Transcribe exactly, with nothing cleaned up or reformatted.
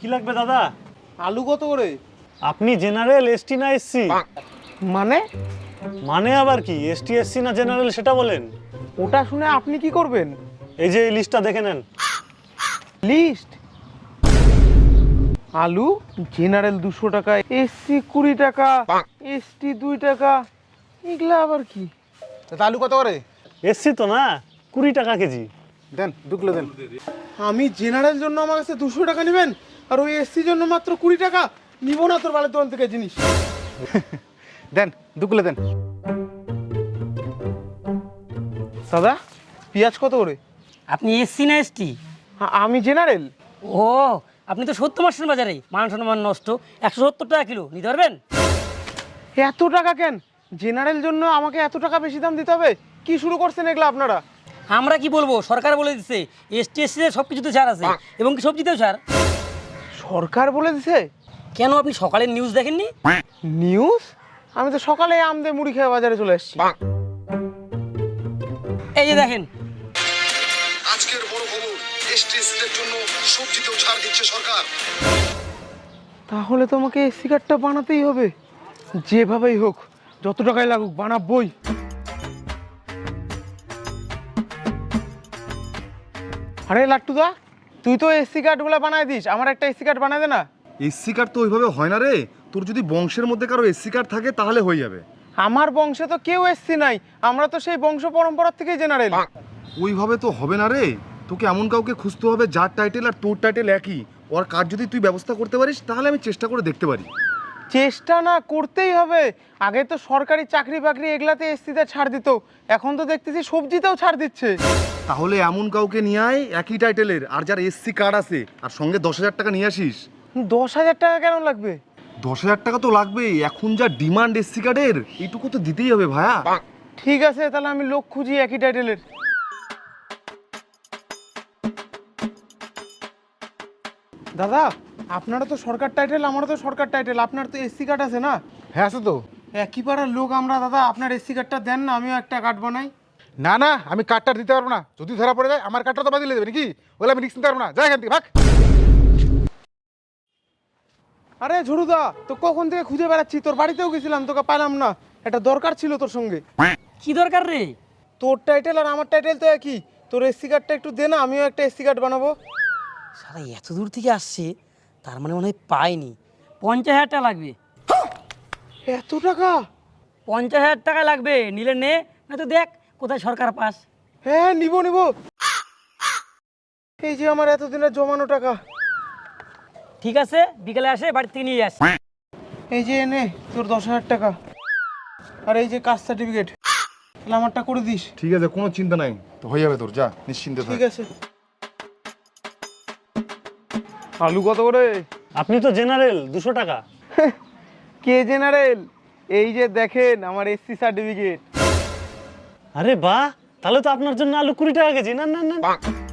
লাগবে দাদা? আলু কত করে? আপনি জেনারেল, এসটি না এসসি? মানে মানে আবার কি, এসটি এসসি না জেনারেল সেটা বলেন। ওটা শুনে আপনি কি করবেন? এই যে এই লিস্টটা দেখে নেন। লিস্ট? আলু জেনারেল দুশো টাকা, এসসি কুড়ি টাকা, এসটি দুই টাকা, এগুলা আবার কি? তা আলু কত করে? এসসি তো না, কুড়ি টাকা কেজি। দেন দু কিলো দেন। আমি জেনারেল জন্য আমার কাছে দুশো টাকা নেবেন আর ওই এসসির জন্য মাত্র কুড়ি টাকা? নিব না তোর বালের দোকান থেকে জিনিস। দেন দু কিলো দেন। দাদা পেঁয়াজ কত করে? আপনি এসসি না এসটি? আ- আমি জেনারেল। ও, আপনি তো সত্তর মাসের বাজারে মান সম্মান নষ্ট, একশো সত্তর টাকা কিলো নিতে পারবেন? এত টাকা কেন? জেনারেল জন্য আমাকে এত টাকা বেশি দাম দিতে হবে? কি শুরু করছেন এগুলো আপনারা? আমরা কি বলবো, সরকার বলে দিচ্ছে এসটি এসসিতে সব কিছুতে ছাড় আছে, এবং কি সবজিতেও ছাড়। সরকার বলে দিছে? কেন আপনি সকালের নিউজ দেখেননি? নিউজ? আমি তো সকালে আম দিয়ে মুড়ি খেয়ে বাজারে চলে এসেছি। এই যে দেখেন, আজকের বড় খবর, এসটিএসসিদের জন্য সবজিতেও ছাড় দিচ্ছে সরকার। তাহলে তোমাকে এসি কার্ডটা বানাতেই হবে, যেভাবেই হোক, যত টাকাই লাগুক বানাবই। আরে লাট্টুদা, তুই তো এসি কার্ডগুলো বানায় দিস, আমার একটা এসি কার্ড বানায় দে না। এসসি কার্ড তো ওইভাবে হয় না রে। তোর যদি বংশের মধ্যে কারো এসসি কার্ড থাকে তাহলে হয়ে যাবে। আমার বংশে তো কেউ এসসি নাই, আমরা তো সেই বংশ পরম্পরা থেকেই জেনারেল। ওইভাবে তো হবে না রে। তোকে এমন কাউকে খুঁজতে হবে যার টাইটেল আর তোর টাইটেল একই। ওর কার্ড যদি তুই ব্যবস্থা করতে পারিস তাহলে আমি চেষ্টা করে দেখতে পারি। চেষ্টা না করতেই হবে। আগে তো সরকারি চাকরি বাকরি এগুলাতে এসসিতে ছাড় দিত, এখন তো দেখতেছি সবজিতেও ছাড় দিচ্ছে। তাহলে এমন কাউকে নিয়ে আয় একই টাইটেলের আর যার এসসি কার্ড আছে, আর সঙ্গে দশ হাজার টাকা নিয়ে আসিস। দশ হাজার টাকা কেন লাগবে? দশ হাজার টাকা তো লাগবেই, এখন যা ডিমান্ড এসসি কার্ডের, এইটুকু তো দিতেই হবে ভাইয়া। ঠিক আছে, তাহলে আমি লোক খুঁজি একই টাইটেলের। দাদা, আপনারা তো সরকার টাইটেল, আমারও তো সরকার টাইটেল, আপনার তো এসসি কার্ড আছে না? হ্যাঁ আছে তো। একই পাড়ার লোক আমরা, দাদা আপনার এসসি কার্ডটা দেন না, আমিও একটা কার্ড বানাই। না না, আমি কার্ডটা দিতে পারবো না। যদি ধরা পড়ে যায় আমার কার্ডটা তো বাতিল দেবে নাকি? বলে আমি রিস্ক নিতে পারবো না। যাই এখান থেকে ভাগ। আরে ঝুরুদা, তো কখন থেকে খুঁজে বেড়াচ্ছি, তোর বাড়িতেও গেছিলাম, তোকে পেলাম না। একটা দরকার ছিল তোর সঙ্গে। কি দরকার রে? তোর টাইটেল আর আমার টাইটেল তো একই, তোর এসসি কার্ডটা একটু দে না, আমিও একটা এসসি কার্ড বানাবো। সারা এত দূর থেকে আসছে, তার মানে মনে হয় পাইনি। পঞ্চাশ হাজার টাকা লাগবে। এত টাকা? পঞ্চাশ হাজার টাকা লাগবে, নিলে নে, না তো দেখ কোথায় সরকার পাস। হ্যাঁ নিব নিব। এই যে আমার এতদিনের জমানো টাকা। ঠিক আছে, বিকেলে আসে বাড়ি থেকে নিয়ে যাস। এই যে এনে তোর দশ হাজার টাকা, আর এই যে কাস্ট সার্টিফিকেট, তাহলে আমারটা করে দিস। ঠিক আছে, কোনো চিন্তা নাই, তো হয়ে যাবে তোর, যা নিশ্চিন্তে থাক। ঠিক আছে। আলু কত করে? আপনি তো জেনারেল, দুশো টাকা। কে জেনারেল? এই যে দেখেন আমার এসসি সার্টিফিকেট। আরে বাহ, তাহলে তো আপনার জন্য আলু কুড়ি টাকা কেজি। না না না,